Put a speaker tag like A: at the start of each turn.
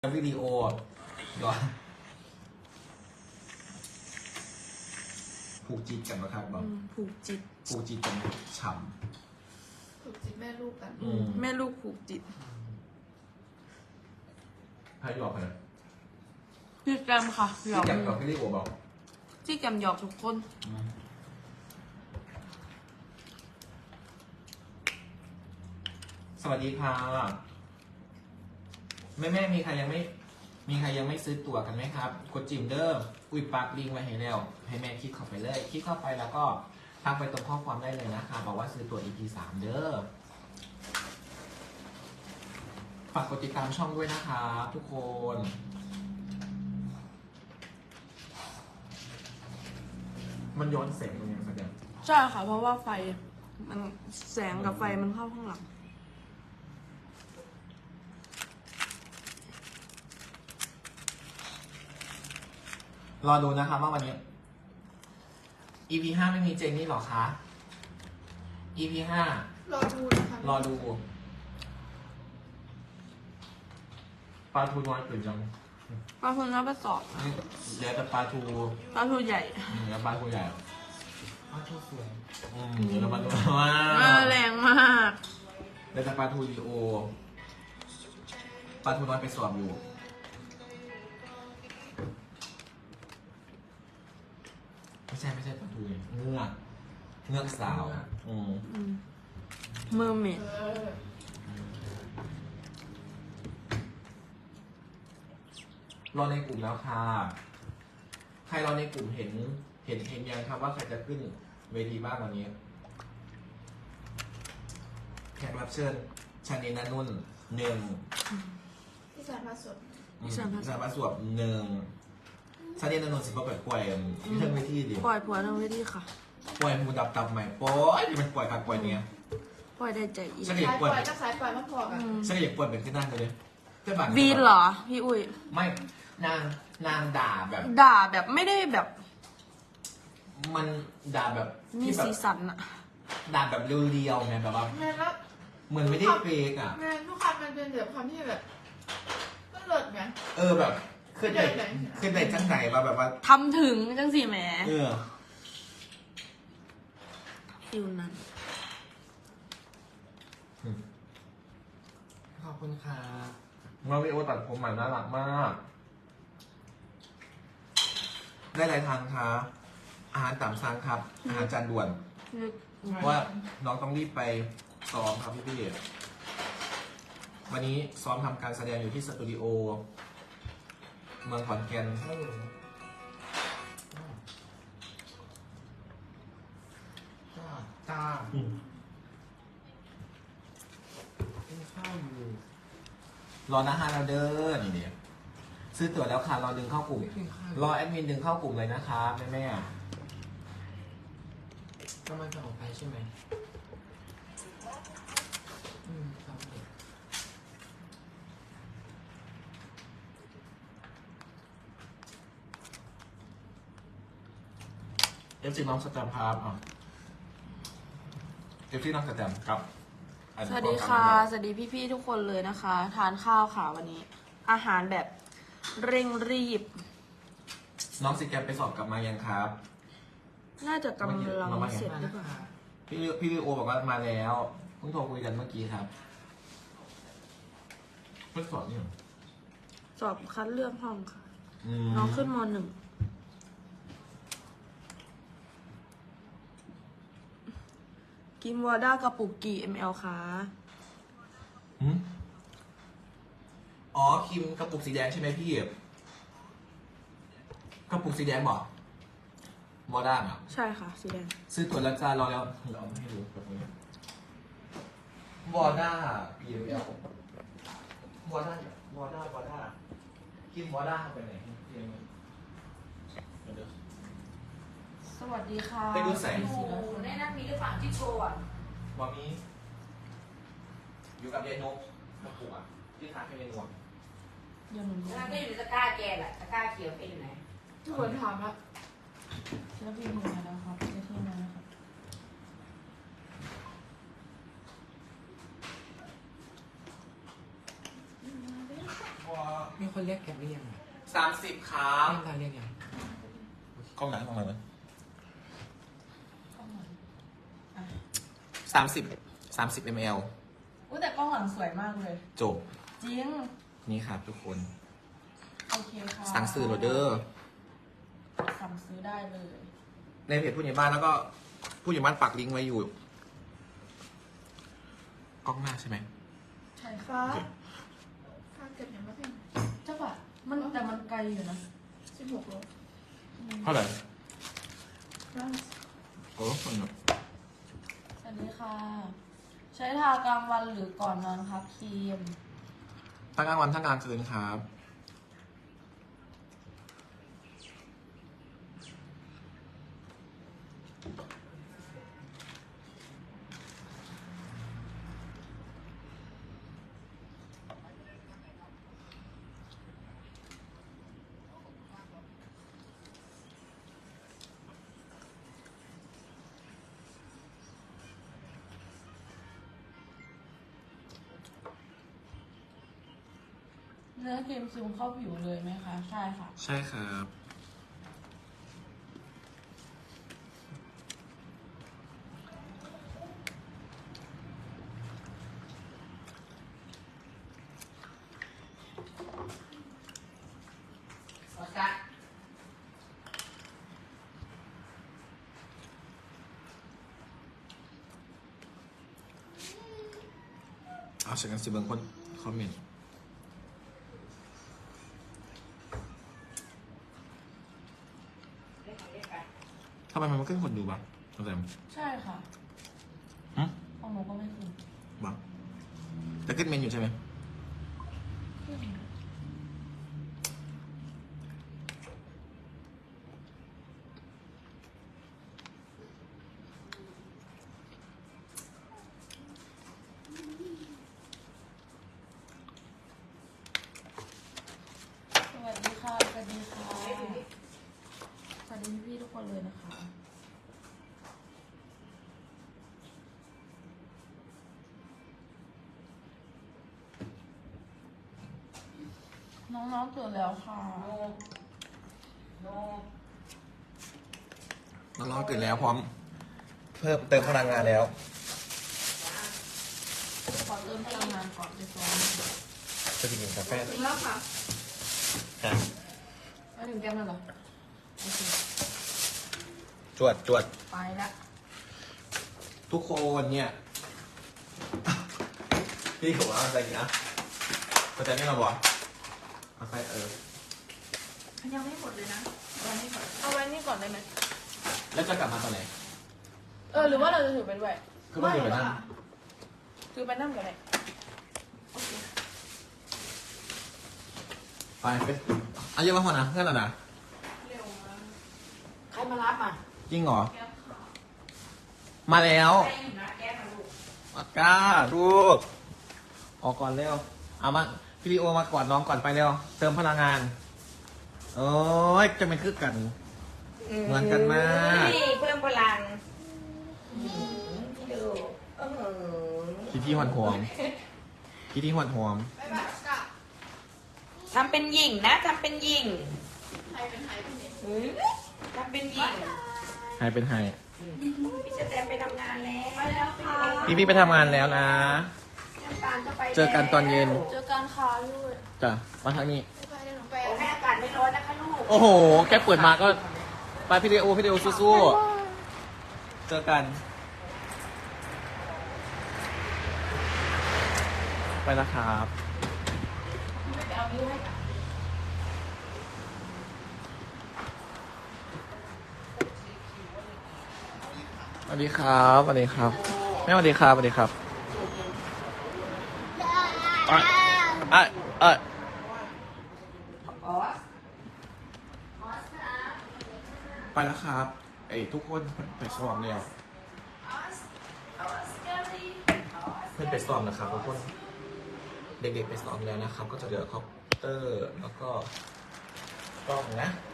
A: วิดีโอก่อนผูกจิตกันนะครับบอก
B: ผูกจิต
A: กันฉ่
C: ผูกจิตแม่ลูกกัน
B: แม่ลูกผูกจิต
A: ให้หยอกเลย
B: พี่แกมค่ะหยอก
A: พี่แกมกับพี่ลิโอบอก
B: พี่แกมหยอกทุกคน
A: สวัสดีค่ะแม่มีใครยังไม่ซื้อตั๋วกันไหมครับกดจิมเดอร์อุ้ยปักลิงก์ไว้ให้แล้วให้แม่คลิกเข้าไปเลยคลิกเข้าไปแล้วก็ทักไปตรงข้อความได้เลยนะคะบอกว่าซื้อตั๋ว EP 3เด้อฝากกดติดตามช่องด้วยนะคะทุกคนมันย้อนแสงตรงนี้ครับเดี๋ยว
B: ใช่ค่ะเพราะว่าไฟมันแสงกับไฟมันเข้าข้างหลัง
A: รอดูนะครับว่าวันนี้ EP 5ไม่มีเจนนี่หรอคะ EP 5
C: รอดูนะคะ
A: รอดูปลาทูน้อยตื่นจัง
B: ปลาทูน้อยไปสอบ
A: เหลือแต่ปลาทู
B: ใหญ่
A: แล้วปลาทูใหญ่
C: ปลาทูสวย
A: แล้วปลาทูว้า
B: แรงมาก
A: เหลือแต่ปลาทูลีโอปลาทูน้อยไปสอบอยู่ไม่ใช่ปลาทูเงือกสาว
B: เมอร์เมด
A: รอในกลุ่มแล้วค่ะใครรอในกลุ่มเห็นยังครับว่าใครจะขึ้นเวทีบ้างวันนี้แขกรับเชิญชาเนนานุ่น1
C: พี่สารมาสด
A: พี่สารมาสวบ1ชาเนนานุ่นสิบป่วยเรื่องเวทีดิ
B: ปล่อยผัวทางเวทีค่ะ
A: ปล่อยมูดับใหม่ปล่อยมันปล่อยการปล่อยเนี้ย
B: ปล่อยได้ใจอีก
C: สายปล่อยก็สายปล่อยมาพอกัน
A: ฉันอยากปล่อยเป็นที่นั่งเลย
B: วีนเหรอพี่อุ้ย
A: ไม่นางด่าแบบ
B: ไม่ได้แบบ
A: มันด่าแบบ
B: มีสีสันอะ
A: ด่าแบบเรียวๆไงแบบว่าเหมือนไม่ได้เฟกอะ
C: งานทุกคำมันเป็นแบบคำที่แบบก็เลิศไง
A: แบบขึ้นในจังไหนมาแบบว่า
B: ทำถึงจังสิแหมฟิวนั้น
A: ขอบคุณค่ะมาวิโอตัดผมใหม่น่ารักมากได้หลายทางครับอาหารตามสั่งครับอาหารจานด่วนว่าน้องต้องรีบไปซ้อมครับพี่วันนี้ซ้อมทำการแสดงอยู่ที่สตูดิโอเมืองขอนแก่น
C: จ้า
A: รอนะฮะเราเดินนี่เนี่ยซื้อตั๋วแล้วค่ะรอดึงเข้ากลุ่มรอแอดมินดึงเข้ากลุ่มเลยนะคะแม่
C: ก็มันจะออกไปใช่ไหม
A: FC น้องสแตมป์ครับFC น้องสแตมป์ครับ
B: สวัสดีค่ะสวัสดีพี่ๆทุกคนเลยนะคะทานข้าวค่ะวันนี้อาหารแบบเร่งรีบ
A: น้องสิแกมไปสอบกลับมายังครับ
B: น่าจะกำลังเสร็จหรือเปล่า
A: พี่ลิโอบอกว่ามาแล้วเพิ่งโทรคุยกันเมื่อกี้ครับเพิ่งสอบนี่หรอ
B: สอบคัดเลือกห้องค่ะน้องขึ้นม.1กิมวอด้ากระปุกกี่ ml คะ
A: อ๋อคิมกระปุกสีแดงใช่ไหมพี่กระปุกสีแดงบอกวอด้าอ่ะ
B: ใช่ค่ะสีแดง
A: ซื้อตั๋วแล้วจ้ารอแล้วเราไม่รู้แบบนี้วอด้ากี่ ml วอด้าคิมวอด้าไปไหน
B: สวัสดีค่ะ
A: ไปดูแสง
B: ในนั้นมีหรือเปล่าที่โชว์อ่ะ
A: ว่ามีอยู่กับยายนกกระปุกอ่ะที่ทานให้ยายนวล
B: ยังไม่รู้
D: แล้วก็อยู่ในตะกร้าแกแหละตะกร้าเขียวเป็นอยู่ไหน
C: ทุกคนถามว่า
B: แล้วพี่มาแล้วครับจะที่มาแล้วครับ
A: มี
E: คนเรียกแก๊ปหรือยังอ่ะ
A: 30ครับ
E: เรียกเราเรียกยัง
A: กล้องไหนกล้องไหนวะ
B: กล้องหลัง
A: 30 ml
B: อุ้ยแต่กล้องหลังสวยมากเลย
A: จบ
B: จริง
A: นี่ครับทุกคน
B: โอเคค่ะ
A: สั่งซื้อโรเดอร์
B: สั่งซื้อได้เลย
A: ในเพจผู้ใหญ่บ้านแล้วก็ผู้ใหญ่บ้านปักลิงก์ไว้อยู่ กล้องหน้าใช่ไหม
B: ใช่ค่ะ
C: ฟ้าฟ้าเก็บอย่างมาเพียง
B: เจ้าป่ะมันแต่มันไกลอยู่นะ
C: 16 โล
A: เท่าไหร่
C: ได้
A: โอ้คนแบบ
B: สวัสดีค่ะ ใช้ทากลางวันหรือก่อนนอนครับครีม
A: ทั้งกลางวันทั้งกลางคืนครับ
B: เนื้อครีมซึมเข้าผิวเลยไหมคะ ใช่ค่ะ
A: ใช่ครับ
D: ขอซัก
A: เอาฉันกันสิเบิ้งคนคอมเมนต์
D: เรียกของเรียกไป
A: ทำไมมันไม่ขึ้นคนดูบ้างเข้าใจไหม
B: ใช่ค่ะ
A: หึ
B: ของหนูก็ไม่ขึ้น
A: บ้างแต่ขึ้นเมนอยู่ใช่ไหม
B: ขึ้น สวัสดีค่ะ สวัสดีค่ะ สวัสดีพี่ๆทุกคนเลยนะคะ น้องๆตื่นแล้วค่ะ
D: โนโน
A: น้องๆตื่นแล้วพร้อม เพิ่มเติมพลังงานแล้ว
B: ขอเติมพลังงานก่อนไปซ้อม
A: จะไปกินกาแฟ
C: ถึงแล้วค่ะ
A: ครับ
B: มาถึงแก้มแล้วเหรอ โอเค
A: จวด
B: ไปละ
A: ทุกคนเนี่ย พี่ผมว่าอะไรกินนะเข้าใจไม่มาบอกเอาใส่
C: ยังไม่หมดเลยนะวันนี้ก่อน
B: เอาไว้นี่ก่อนได้ไหม
A: แล้วจะกลับมาตอนไหน
B: หรือว่าเราจะถือไปด้วย
A: ก็ไม่อยู่ไปนั่น
B: ถือไปนั่งกันเลย
A: ไปอายุมาพอนะเพื่อนเรานะ
D: ใครมารับอ่ะ
A: จริงเหรอ มาแล้ว
D: ใครอยู่นะแก้มาลูก
A: ปากกาลูกออกก่อนเร็ว เอามาวิดีโอมากอดน้องก่อนไปเร็ว เติมพลังงาน โอ้ยจะเป็นคือกัน เหมือนกันมาก
D: นี่เพิ่มพลังพี่ดู
A: พี่หวานหอมพี่หวานหอม
C: บ๊ายบายกับ
D: ทำเป็นหญิงนะทำเป็นหญิง
C: ใครเป็นใครพี่เนี่ย
D: ทำเป็นหญิง
A: หายเป็นหาย
D: พี่จะแตมไปทำงานแล้ว
C: ไปแล้วค่ะ
A: พี่ไปทำงานแล้วนะ
D: น้ำตาลจะไป
A: เจอกันตอนเย็น
B: เจอกันค่ะลูก
A: จ้ะมาทางนี้
C: ไปเดี๋ยวหนูไป
D: โอ้ให้อากาศไม่ร้อนนะคะลูก
A: โอ้โห แค่เปิดมาก็ ไปพี่เดโอสู้ๆเจอกัน ไปนะครับ
B: ไม่ไปเอานิ้วให้ค่ะ
A: สวัสดีครับสวัสดีครับแม่สวัสดีครับสวัสดีครับอ่ะอ่ะอ่ะ
D: อ๋อ
A: ไปแล้วครับไอ้ทุกคนไปซ้อมแล้วเพื่อนไปซ้อมนะครับทุกคนเด็กๆไปซ้อมแล้วนะครับ ก็จะเหลือคอปเตอร์แล้วก็กล้องนะ